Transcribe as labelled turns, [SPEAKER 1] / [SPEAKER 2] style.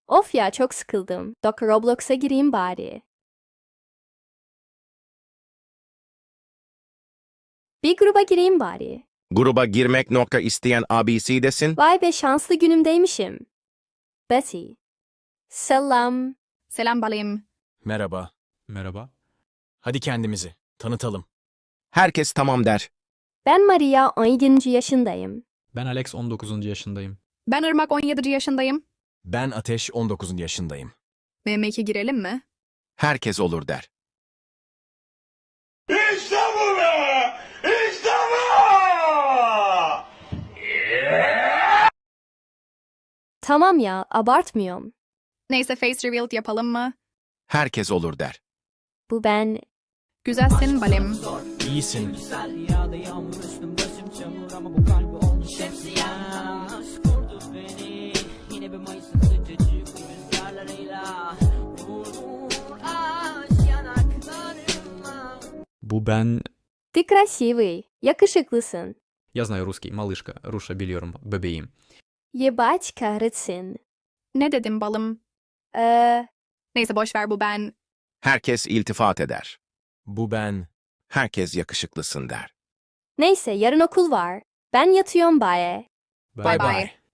[SPEAKER 1] Of ya çok sıkıldım. Roblox'a gireyim bari. Bir gruba gireyim bari.
[SPEAKER 2] Gruba girmek nokta isteyen abisidesin.
[SPEAKER 1] Vay be şanslı günümdeymişim. Betty. Selam.
[SPEAKER 3] Selam balayım.
[SPEAKER 4] Merhaba.
[SPEAKER 5] Merhaba.
[SPEAKER 4] Hadi kendimizi tanıtalım.
[SPEAKER 2] Herkes tamam der.
[SPEAKER 1] Ben Maria 17. yaşındayım.
[SPEAKER 5] Ben Alex 19. yaşındayım.
[SPEAKER 3] Ben Irmak 17 yaşındayım.
[SPEAKER 4] Ben Ateş 19 yaşındayım.
[SPEAKER 3] MM2 girelim mi?
[SPEAKER 2] Herkes olur der.
[SPEAKER 6] İşte bu be! İşte bu!
[SPEAKER 1] Tamam ya abartmıyorum.
[SPEAKER 3] Neyse face reveal yapalım mı?
[SPEAKER 2] Herkes olur der.
[SPEAKER 1] Bu ben.
[SPEAKER 3] Güzelsin balayım.
[SPEAKER 4] İyisin.
[SPEAKER 5] Bu ben...
[SPEAKER 1] Ты красивый. Yakışıklısın.
[SPEAKER 5] Я знаю русский. Малышка. Руша biliyorum. Bebeğim.
[SPEAKER 1] Yebaç kahretsin.
[SPEAKER 3] Ne dedim balım? Neyse boş ver bu ben.
[SPEAKER 2] Herkes iltifat eder.
[SPEAKER 4] Bu ben.
[SPEAKER 2] Herkes yakışıklısın der.
[SPEAKER 1] Neyse yarın okul var. Ben yatıyorum bye.
[SPEAKER 3] Bye bye.